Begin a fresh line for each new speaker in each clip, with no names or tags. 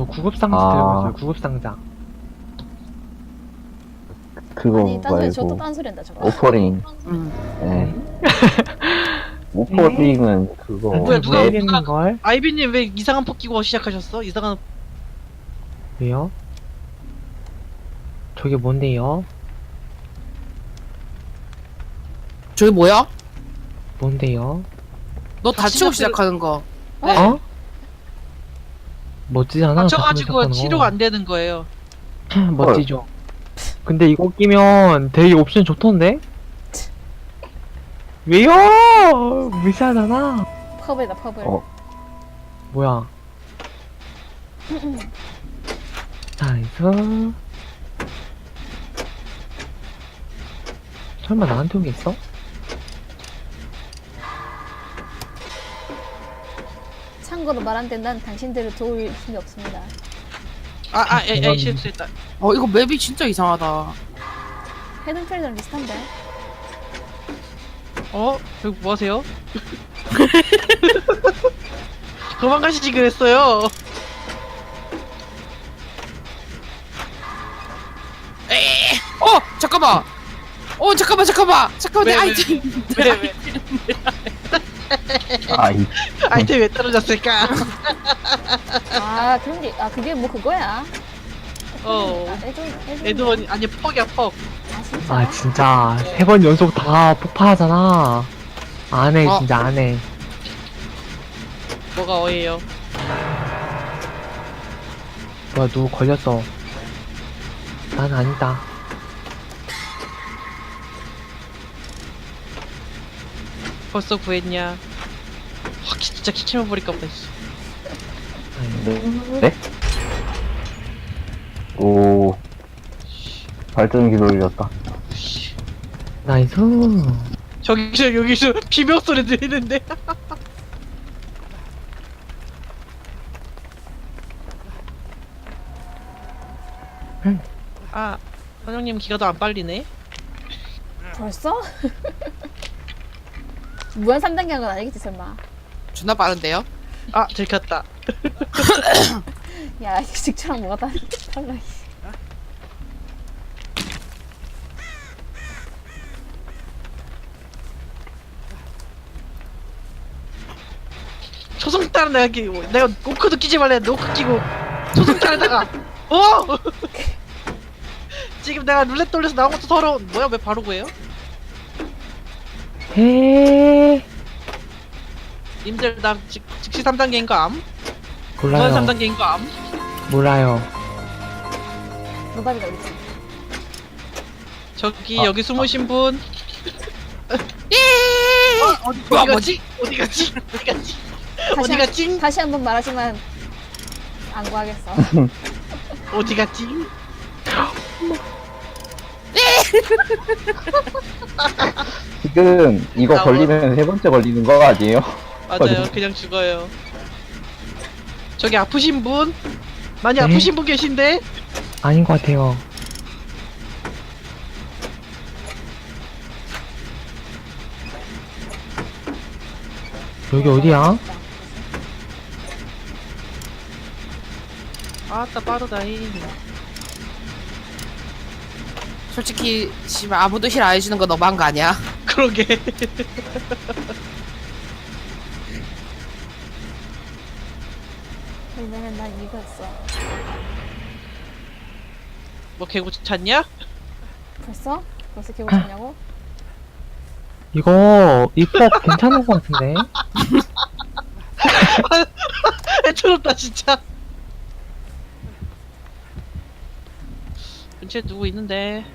저 구급상자
아.
들고 있어요. 구급상자.
그거
아니 딴소리 저또
말고
딴소리 한다 저거.
오퍼링.
응.
네. 오퍼링은 그거
뭐야, 누가
맵
모르겠는 걸?
아이비님 왜 이상한 포 끼고 시작하셨어? 이상한
왜요? 저게 뭔데요?
저기 뭐야?
뭔데요?
너 다치고 시작하는 거.
네.
어? 멋지잖아.
다쳐가지고
다치면서
치료가 안 되는 거예요.
하는 거. 멋지죠. 근데 이거 끼면 되게 옵션 좋던데? 왜요? 무시하잖아.
퍼블이다 퍼블.
어.
뭐야? 나이스. 설마 나한테 온 게 있어?
참고로 말 안 된다는 당신들을 도울 힘이 없습니다.
에이 실수했다.
이거 맵이 진짜 이상하다.
헤든필드랑 비슷한데.
여기 뭐 하세요? 그만 가시지 그랬어요.
잠깐만. 잠깐만.
왜,
내
왜,
아이템.
왜
아이
아이템 왜 떨어졌을까?
아 그런 게 그게 뭐 그거야. 애들
에드원 아니 퍽이야 퍽.
아 진짜.
아 진짜 3번 연속 다 폭파하잖아. 안 해,
어.
진짜 안 해.
뭐가 어예요?
뭐야, 누구 걸렸어. 난 아니다.
벌써 구했냐? 진짜 키키만 버릴까 보다. 씨.
아니,
네? 오 발전기 돌렸다.
씨.
나이스.
여기서 비명 소리 들리는데. 선영님 기가 더 안 빨리네.
벌써? 무한 3단계 한 건 아니겠지 설마.
존나 빠른데요?
들켰다.
야 이게 직초랑 뭐가 달라.
초승달은 내가 노크도 끼지 말래. 노크 끼고 초승달에다가 지금 내가 룰렛 돌려서 나온 것도 서러운. 뭐야 왜 바로 구해요?
헤
님들 나 즉시 3단계인 거 암?
몰라요.
무한 3단계인 거 암?
몰라요.
노답이다 우리.
여기 숨으신 분.
뭐야,
어디 갔지? 어디 갔지?
다시 한 번 말하지만 안 구하겠어.
어디 갔지?
지금 이거
나
걸리면 세 번째 걸리는 거 아니에요?
맞아요. 그냥 죽어요. 저기 아프신 분? 많이
네?
아프신 분 계신데?
아닌 것 같아요. 여기 어디야?
아따 빠르다잉.
솔직히 씨발 아무도 힐 안 해주는 거 너무한 거 아니야?
그러게.
왜냐면 난 이거였어.
뭐 개구 찾냐?
벌써? 벌써 개고쳤냐고?
이거 입법 괜찮은 것 같은데?
애처롭다 진짜. 근처에 누구 있는데?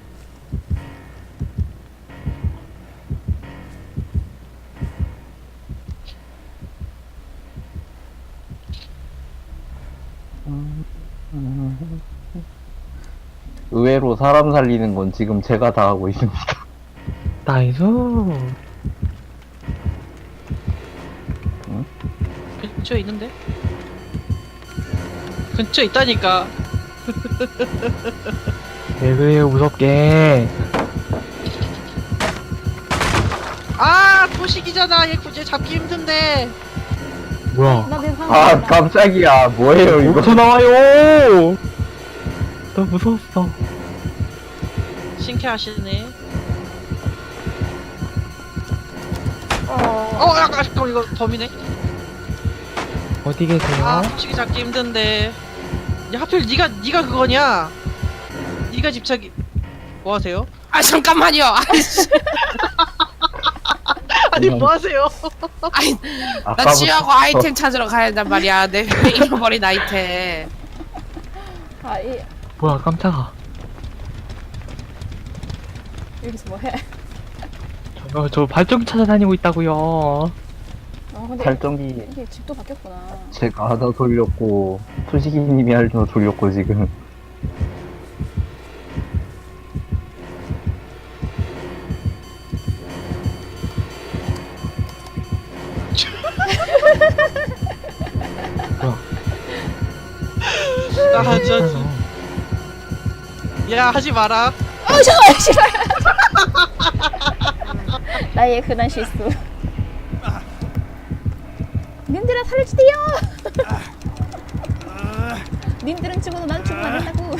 의외로 사람 살리는 건 지금 제가 다 하고 있습니다.
나이스.
근처에 있는데? 근처에 있다니까.
왜 그래요, 무섭게.
도식이잖아. 얘 굳이 잡기 힘든데.
뭐야?
나내 상황
아,
몰라.
깜짝이야. 뭐예요, 이거?
어디서 나와요? 나 무서웠어.
신캐하시네. 야, 잠깐 이거 범이네.
어디 계세요?
아, 솔직히 잡기 힘든데. 야, 하필 네가 그거냐? 네가 집착이. 뭐 하세요?
아 잠깐만요. 아이씨.
아니 뭐 하세요?
아이 나
아까부터
취하고 아이템 찾으러 가야 한단 말이야. 내 잃어버린 아이템.
아,
뭐야, 깜짝아.
여기서 뭐 해?
저 발전기 찾아다니고 있다고요.
근데
발전기
이게 집도 바뀌었구나.
제가 하나 돌렸고, 투시기님이 하나 돌렸고, 지금.
나 하자. 야 하지 마라.
잠깐만, 씨발. 나의 흔한 실수. 님들아 살려주세요. 님들은 죽어도 난 죽으면 안 된다고.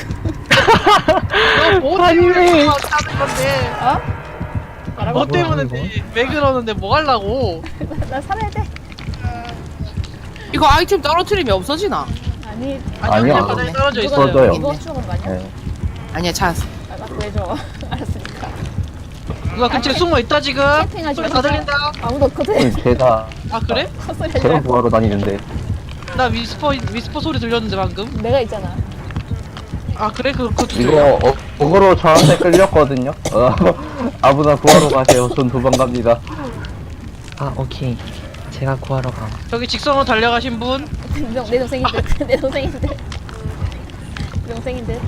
너뭐 때문에 하는 건데?
어?
뭐
뭐야,
때문에
이거?
왜 그러는데 뭐 하려고?
나 살아야 돼.
이거 아이템 떨어뜨리면 없어지나?
아니,
아니요,
그냥 바닥에 떨어져
누가
있어요.
써져요.
이거 죽은 거 아니야?
네.
아니야 찾았어.
나 구해줘. 알았으니까.
누가 근처에 숨어 있다 지금?
캠핑하지
소리 다
말자.
들린다.
아무도 없거든.
제가,
아 그래?
헛소리 하지
제가
말고.
구하러 다니는데.
나 위스퍼 소리 들렸는데 방금.
내가 있잖아.
아 그래? 그거
이거, 어그로 저한테 끌렸거든요? 아무나 구하러 가세요. 전 도망갑니다.
아, 오케이. 제가 구하러 가.
저기 직선으로 달려가신 분.
내 동생인데. 내 동생인데. 내 동생인데.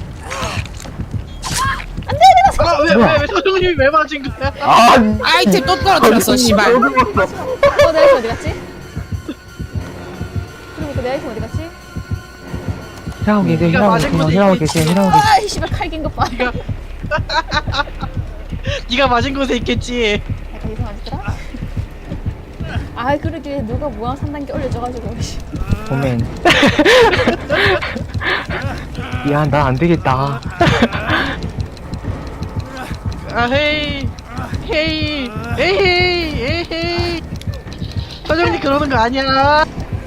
아왜 서정님이 왜 맞은 거야?
아,
아이템 또 떨어뜨렸어. 씨발.
내 아이템 어디 갔지? 그리고 내 아이템 어디 갔지?
힐하고 계세요,
네가
힐하고
맞은
계세요,
거지,
힐하고
이게
계세요, 힐하고 계세요.
아, 이 씨발 칼긴 것 봐.
네가 맞은 곳에 있겠지.
약간 이상하더라. 아, 그러게 누가 무한 3단계 올려줘가지고. 씨.
오멘. 야, 나 안 되겠다.
아 헤이 헤이 에헤이 에헤이. 서정님 그러는 거 아니야.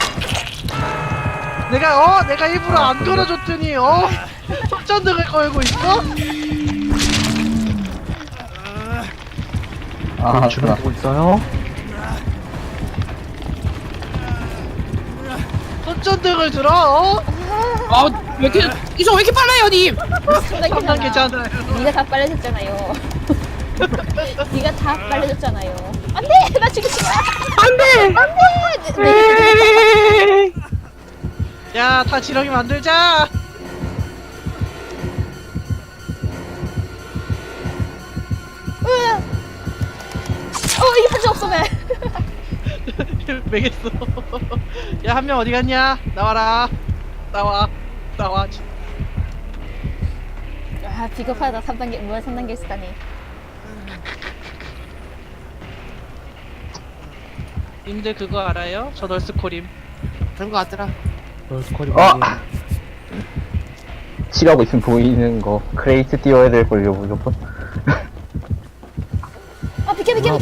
내가 일부러 안 걸어줬더니 손전등을 걸고 있어?
아,
주변 보고 있어요?
손전등을 들어?
왜 이렇게 이속 왜 이렇게 빨라요, 님?
3단계잖아요.
네가 다 빨려줬잖아요. 네가 다 빨려줬잖아요. 안돼, 나 죽이지 마. 안돼, 안돼.
야, 다 지렁이 만들자.
이게 편지 없어 왜?
매겠어. 야, 한 명 어디 갔냐? 나와라. 나와.
아, 비겁하다. 3단계 무한 3단계 쓰다니.
님들 그거 알아요? 저 널스코림.
그런 거 같더라.
널스코리
아! 칠하고 있으면 보이는 거. 크레이트 띄워야 될걸요, 무조건.
아, 비켜. 비켜,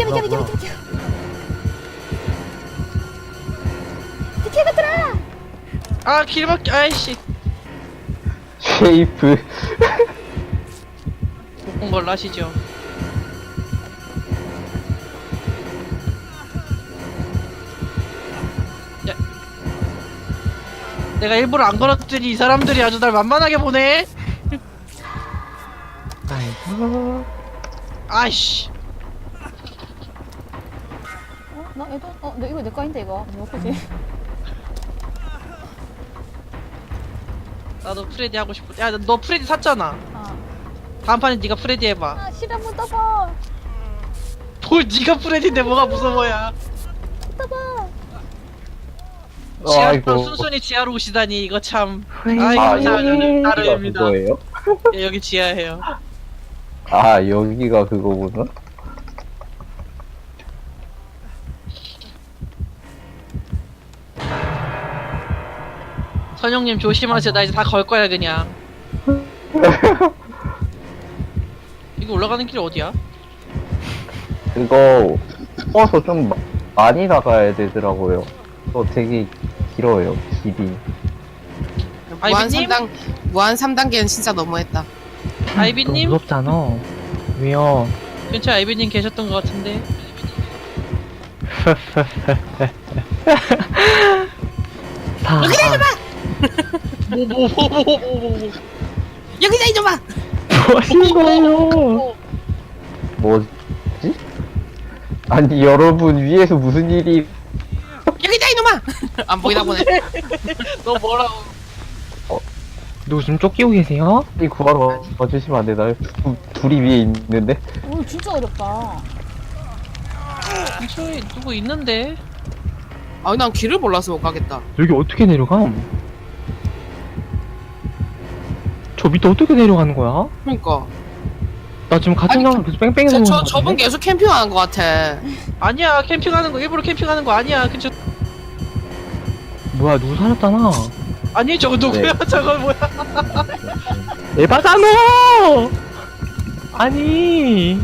얘들아.
아, 길막기. 아이씨.
쉐이프.
못 걸 아시죠? 야. 내가 일부러 안 걸었더니 이 사람들이 아주 날 만만하게 보네.
아이고.
아이씨.
나 얘도 너 이거 내 거인데 이거. 뭐 거지?
나도 프레디 하고 싶어. 야, 너 프레디 샀잖아.
아,
다음 판에 네가 프레디 해봐.
아 실험 못 떠봐.
뭘 네가 프레디인데 뭐가 무서워야.
떠봐.
지하로
아이고.
순순히 지하로 오시다니 이거 참.
프레디.
아이고
아,
저는
여기가
따르입니다.
그거예요?
예, 여기 지하예요.
아, 여기가 그거구나?
선영님 조심하세요. 나 이제 다 걸 거야 그냥. 이거 올라가는 길 어디야?
그거 뽑아서 좀 많이 나가야 되더라고요. 또 되게 길어요, 길이.
무한
아이비님?
3단 무한 3단계는 진짜 너무했다.
너무
아이비님?
무섭잖아. 왜요?
근처에 아이비님 계셨던 것 같은데.
다.
뭐.
여기다 이놈아.
뭐 하시는 거예요?
뭐지? 아니, 여러분, 위에서 무슨 일이.
여기다 이놈아. 안 보이나 보네.
너 뭐라고?
누구 좀 쫓기고 계세요?
이 구하러 와주시면 안 되나요? 둘이 위에 있는데?
오 진짜 어렵다.
근처에 누구 있는데?
아, 난 길을 몰라서 못 가겠다.
여기 어떻게 내려감? 저 밑에 어떻게 내려가는 거야?
그러니까.
나 지금 같은
아니,
장소 계속 뺑뺑이 도는 거 같은데?
저분 계속 캠핑하는 것 같아.
아니야 캠핑하는 거 일부러 캠핑하는 거 아니야. 근처
뭐야 누구 살았잖아.
아니 저거 누구야? 저거 뭐야?
에바잖아! 아니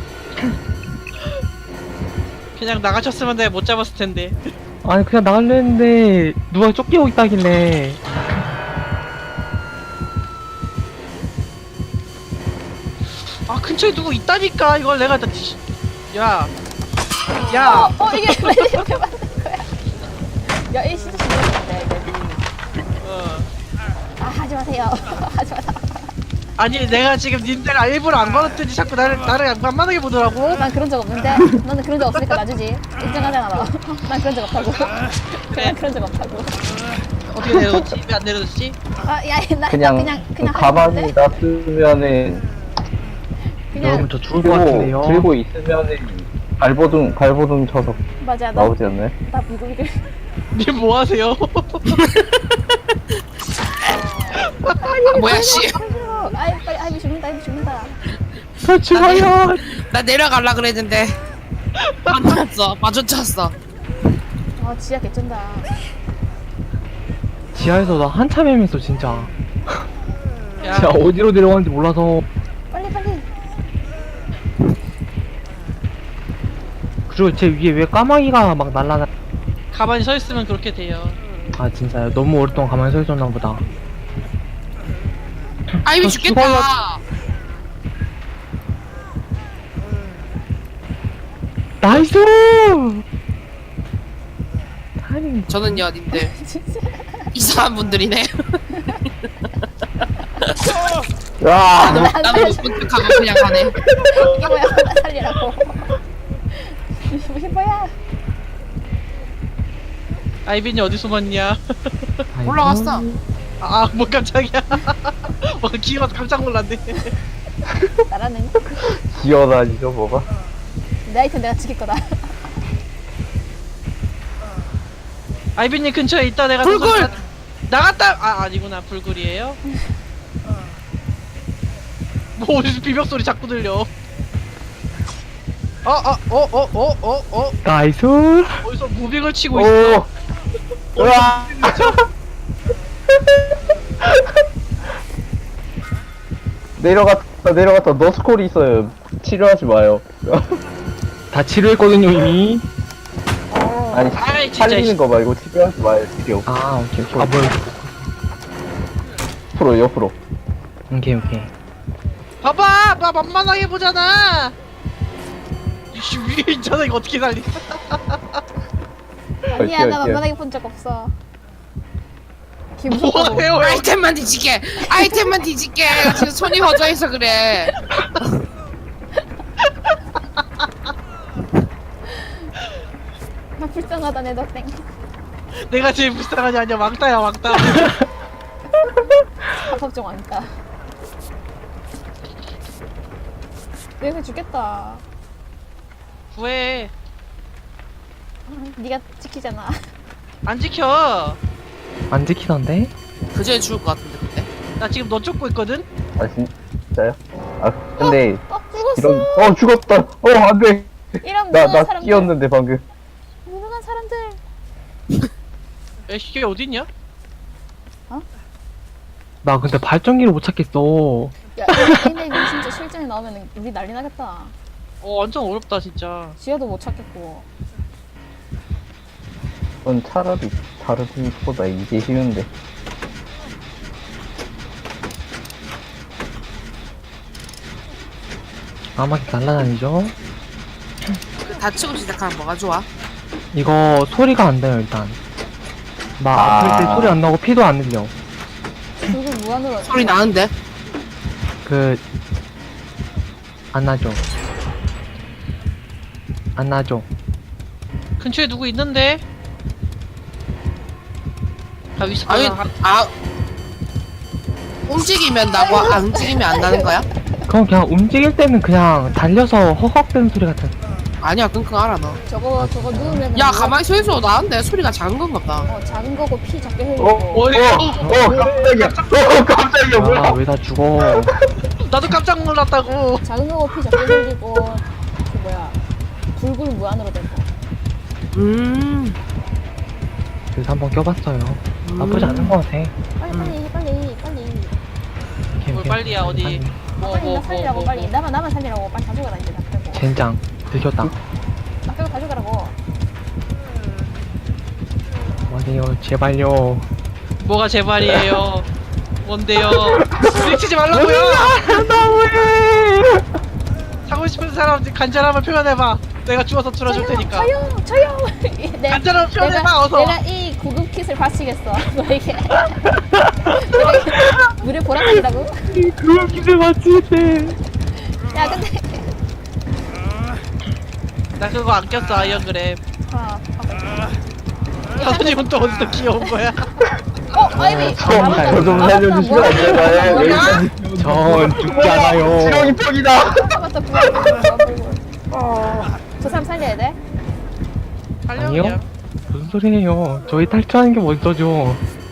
그냥 나가셨으면 내가 못 잡았을 텐데.
아니 그냥 나가려 했는데 누가 쫓기고 있다길래.
아 근처에 누구 있다니까. 이걸 내가 다 야. 야.
이게 왜 이렇게 만든 거야? 야, 이 진짜 재밌는데 이거.
어.
아 하지 마세요. 하지 마세요.
아니 내가 지금 님들 일부러 안 걸었더니 자꾸 나를 안만하게 보더라고.
난 그런 적 없는데. 너는 그런 적 없으니까 놔주지. 인정하잖아 너. 난 그런 적 없다고. 난 그런 적 없다고.
어떻게 내려뒀지? 왜 안 내려뒀지?
나
그냥,
그냥
가만히
하는데?
놔두면은,
여러분
그냥
저 죽을 것 같은데요.
들고 있으면은, 발버둥 쳐서
맞아. 나
나오지 않나요?
비글비글.
님 뭐 하세요?
아, 뭐야 씨.
아이 빨리 아이 죽는다. 아이 죽는다.
저 죽어요.
나 내려갈라 그랬는데 안 나왔어. 마주쳤어.
아 지야 개쩐다.
지하에서 나 한참 헤맸어 진짜.
야,
진짜 어디로 내려가는지 몰라서.
빨리.
그리고 제 위에 왜 까마귀가 막 날라다.
가만히 서 있으면 그렇게 돼요.
아 진짜요? 너무 오랫동안 가만히 서 있었나 보다.
아이비
저
죽겠다.
나이스! 타이밍
저는요, 님들
진짜.
이상한 분들이네.
야!
나는 못 분석하고 그냥 가네.
이게 뭐야? 나 살리라고. 이게 뭐야?
아이빈이 어디 숨었냐?
아이고.
올라갔어.
아, 뭐 깜짝이야. 뭐 기어서 깜짝 놀랐네.
나라는
기어다니죠, 뭐가?
내 아이템 내가 지킬 거다.
아이빈님 근처에 있다 내가
불굴!
나갔다. 아 아니구나 불굴이에요. 뭐 어디서 비명 소리 자꾸 들려.
나이스!
어디서 무빙을 치고 있어.
오! 으아! 내려갔다. 너스콜이 있어요. 치료하지 마요.
다 치료했거든요 이미.
아니,
아이, 진짜,
살리는 거 말고 치료하지 마요, 치료.
아 오케이. 아 뭐야.
옆으로.
오케이.
봐봐, 나 만만하게 보잖아. 이씨 위에 있잖아. 이거 어떻게 살리?
아니야 나
오케이.
만만하게 본 적 없어. 기무섭다고.
뭐해요?
아이템만 뒤질게. 아이템만 뒤질게. 지금 손이 허전해서 그래.
나 불쌍하다 내 덕땡.
내가 제일 불쌍하지 않냐? 왕따야 왕따.
합법 좀 왕따. 내가 죽겠다.
구해.
네가 지키잖아.
안 지켜.
안 지키던데?
그전에 죽을 것 같은데 그때.
나 지금 너 쫓고 있거든.
아, 진짜요? 아, 근데,
죽었어.
죽었다. 안 돼.
이런
나
무능한 사람들.
끼었는데, 방금.
무능한 사람들.
애쉬 어디 있냐?
나 근데 발전기를 못 찾겠어.
야, 근데 이거 진짜 실전에 나오면 우리 난리 나겠다.
완전 어렵다 진짜.
지하도 못 찾겠고.
그건 차라리 다른 팀보다 이게 쉬운데.
까마귀 날라다니죠?
다치고 시작하면 뭐가 좋아?
이거 소리가 안 나요 일단. 막
아.
아플 때 소리 안 나고 피도 안 흘려.
그걸 무한으로.
소리 나는데?
안 나죠. 안 나죠.
근처에 누구 있는데? 아 위스
아니,
빨라.
움직이면 나고 안 움직이면 안 나는 거야?
그럼 그냥 움직일 때는 그냥 달려서 허걱대는 소리 같은.
아니야, 끙끙 알아, 너.
저거 누우면.
야, 가만히 서 있어도 나는데 소리가 작은 건가 보다.
작은 거고 피 작게
어?
흘리고.
깜짝이야. 깜짝이야. 뭐야?
아 왜 다 죽어?
나도 깜짝 놀랐다고.
작은 거고 피 작게 흘리고. 그 뭐야. 불굴 무한으로 된 거.
그래서 한번 껴봤어요. 나쁘지 않은 것 같아.
빨리.
뭘 빨리야, 어디.
빨리 나 살리라고 빨리. 나만 살리라고 빨리 다 죽어라 이제 나 그러고.
젠장 들켰다.
나 그리고 다 죽어라고.
뭐래요 제발요.
뭐가 제 말이에요. 뭔데요? 밀치지 말라고요.
너무해.
사고 싶은 사람 간절함을 표현해봐. 내가 죽어서 틀어줄 테니까.
저요.
간절함을 표현해봐 어서.
내가 이 구급 킷을 바치겠어. 너에게. 내가 물에 보라색이라고?
그걸 기대 맞출 때.
야 근데.
나 그거 안 꼈어 아이언그램. 사수님은 또 어디서 귀여운 거야?
아이비.
저좀 살려주시면 안 되나요? 여기까지.
전 죽지 않아요.
지렁이 턱이다.
맞다. 저 사람 살려야 돼?
살려
아니요?
그냥.
무슨 소리예요? 저희 탈출하는 게 먼저죠.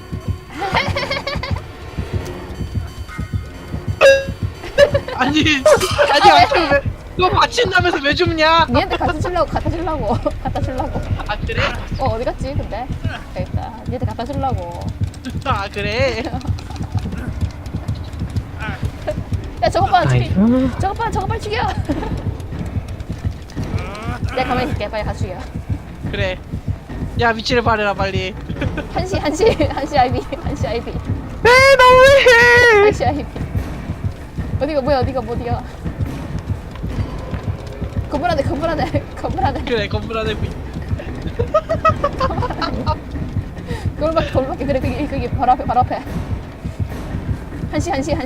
아니 아무튼 왜? 너 받친다면서 왜 줍냐?
니한테 갖다 주려고. 갖다 주려고.
아 그래?
어디 갔지 근데? 여기 있다. 니한테 갖다 주려고.
아 그래?
야 저거 봐
나이스.
저거 빨리 죽여. 내가 가만히 있을게. 빨리 가 죽여.
그래. 야 위치를 말해라 빨리.
한시 아이비.
네 너무해.
한시 아이비. 어디가 어디가. 건물 안에.
그래 건물 안에 뭐
건물밖에 그래 그게 바로 앞에. 한시.
진짜.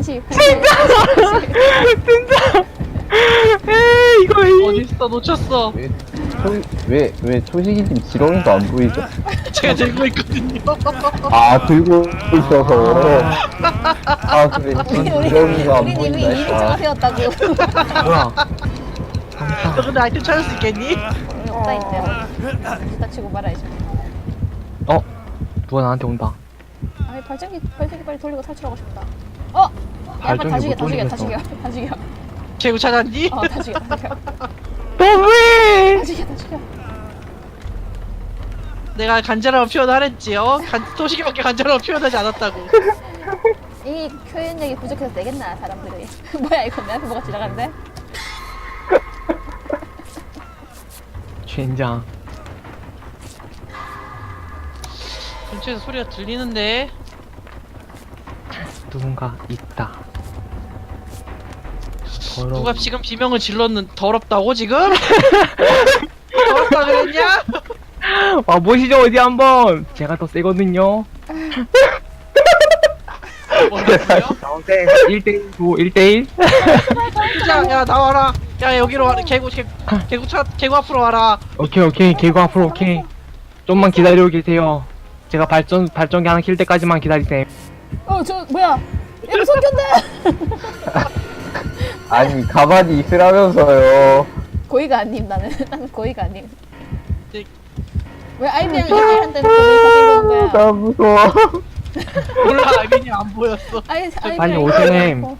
에이 이거
어딨어 놓쳤어.
왜 초식이님 지렁이도 안 보이죠?
제가 들고 있거든요.
아 들고 있어서. 아 그래. 지렁이가 안
우리 이미
보인다.
이미지가 되었다고.
뭐야?
너 근데 아이템 찾을 수 있겠니?
없다 있대. 이따 치고 말아야지.
누가 나한테 온다.
아니 발전기 빨리 돌리고 탈출하고 싶다. 야 빨리 다
발전기
죽여.
못
다 죽여.
개구 찾았니?
다 죽여.
너무해.
다 죽여.
내가 간절함을 표현하랬지. 도시기밖에 간절함을 표현하지 않았다고.
이 표현력이 부족해서 되겠나 사람들이. 뭐야 이거 내 앞에 뭐가 지나가는데?
젠장.
근처에서 소리가 들리는데.
누군가 있다.
누가 지금 비명을 질렀는 더럽다고 지금? 더럽다 그랬냐?
와 보시죠 어디 한번. 제가 더 세거든요.
뭐라고요?
나오세 1대1 1대1.
야 나와라. 야 여기로 와라. 개구 앞으로 와라.
오케이 개구 앞으로 오케이. 좀만 기다리고 계세요. 제가 발전기 하나 킬 때까지만 기다리세요.
저 뭐야? 얘도 손견데.
아니 가만히 있으라면서요.
고의가 아님 나는 고의가 아님.
네.
왜 아이비랑 얘기한테 고의 다시 이러는 거야?
나 무서워.
몰라 아이비님 안 보였어.
빨리 오셈.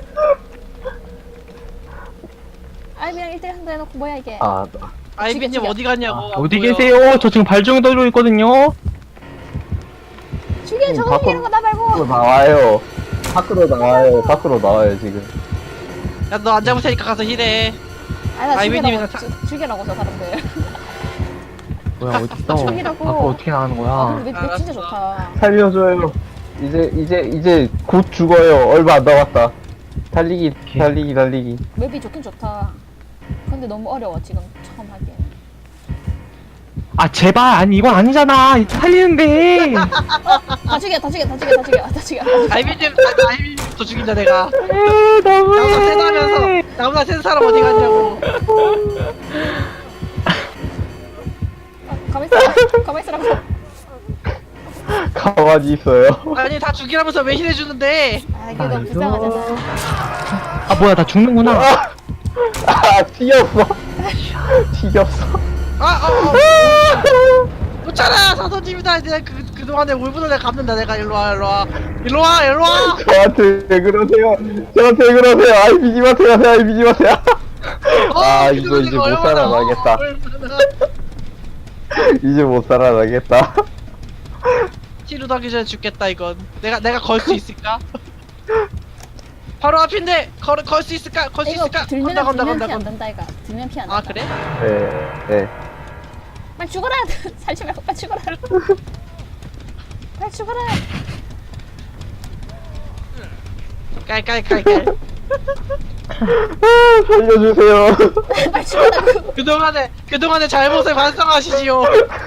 아이비랑 1대1 한다 해놓고 뭐야 이게?
아
아이비님
죽여.
어디 갔냐고. 안
어디
보여.
계세요? 저 지금 발전기 돌리고 있거든요.
죽여 저거 이런 거 나 말고.
나와요. 밖으로 나와요. 밖으로 나와요 지금.
야 너 안 잡을 테니까 가서 힐해.
아니 나
아이비님이나
죽이라고서 사람들.
뭐야 어딨어?
저기라고.
밖으로 어떻게 나가는
아
거야?
근데 맵 진짜 좋다.
살려줘요. 이제 곧 죽어요. 얼마 안 남았다. 달리기.
맵이 좋긴 좋다. 근데 너무 어려워 지금 처음 하기에는.
아 제발 아니 이건 아니잖아. 살리는데.
다 죽여.
아이비님 더 죽인다 내가.
에이,
나보다
너무해.
세다면서 나보다 센 사람 어디 갔냐고.
가만히 있으라고.
가만히 있어요.
아니 다 죽이라면서 왜 힐해주는데?
아 이게 너무 불쌍하잖아.
아 뭐야 나 죽는구나.
튀겼어.
못잖아 사도님이다. 내가 그동안에 울분을 내가 갚는다. 내가 일로와.
저한테 왜 그러세요? 아이비님한테 가세요. 이제 못 살아나겠다. 이제 못 살아나겠다.
치료도 하기 전에 죽겠다 이건. 내가 걸 수 있을까? 바로 앞인데 걸 수 있을까?
이거 들면
건다.
피 안 된다 이가. 들면 피 안 된다.
아 그래?
네.
빨리 죽어라. 살지 말고 빨리 죽어라. 빨리 죽어라.
깔.
살려주세요.
빨리 죽어라.
그동안의 잘못을 반성하시지요.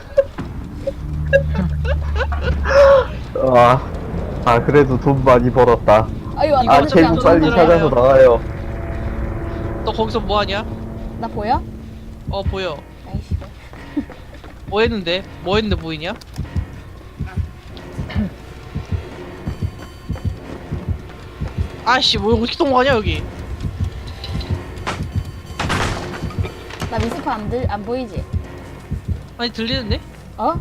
그래도 돈 많이 벌었다.
아유
이거
나는
어차피
그냥
제국 빨리
죽는
찾아서
거야.
나가요.
너 거기서 뭐 하냐?
나 보여?
어 보여.
아이씨.
뭐 했는데 보이냐? 아씨 뭐 어떻게 통과하냐 여기.
나 미스코 안 보이지?
아니 들리는데?
어?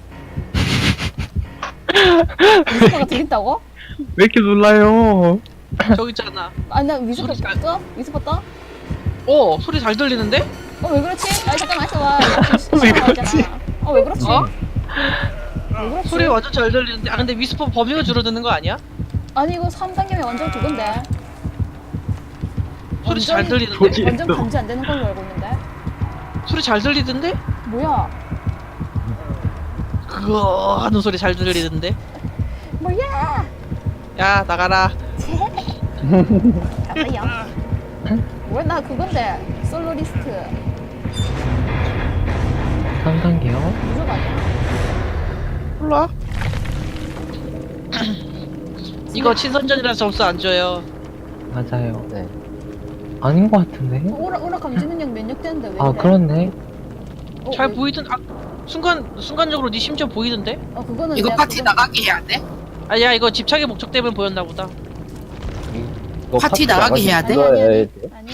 미스코가 들린다고?
왜 이렇게 놀라요?
저기 있잖아.
아니 나 미스코
소리 잘-
떠? 미스코 떠?
소리 잘 들리는데?
왜 그렇지? 아니 잠깐만 있어봐.
왜 그렇지?
왜 그렇지?
어?
왜 그렇지?
소리 완전 잘 들리는데. 아 근데 위스퍼 범위가 줄어드는 거 아니야?
아니 이거 3단계면 완전 그건데.
소리 잘
완전히-
들리는데?
완전 감지 안 되는 걸로 알고 있는데.
소리 잘 들리던데?
뭐야?
그거 하는 소리 잘 들리던데?
뭐야?
야 나가라.
가봐요. 뭐야 나 그건데 솔로리스트
3단계요?
무조건 아니야.
몰라. 이거 친선전이라 점수 안 줘요.
맞아요.
네.
아닌 것 같은데?
오라 감지 능력 면역 되는데 왜 이래?
아 그렇네.
잘
왜-
보이던. 순간적으로 네 심지어 보이던데?
그거는
이거
내가
파티
그건-
나가게 해야 돼?
아야 이거 집착의 목적 때문에 보였나 보다.
이거
파티 나가게 해야 돼?
찍어야
아니, 아니,
돼?
아니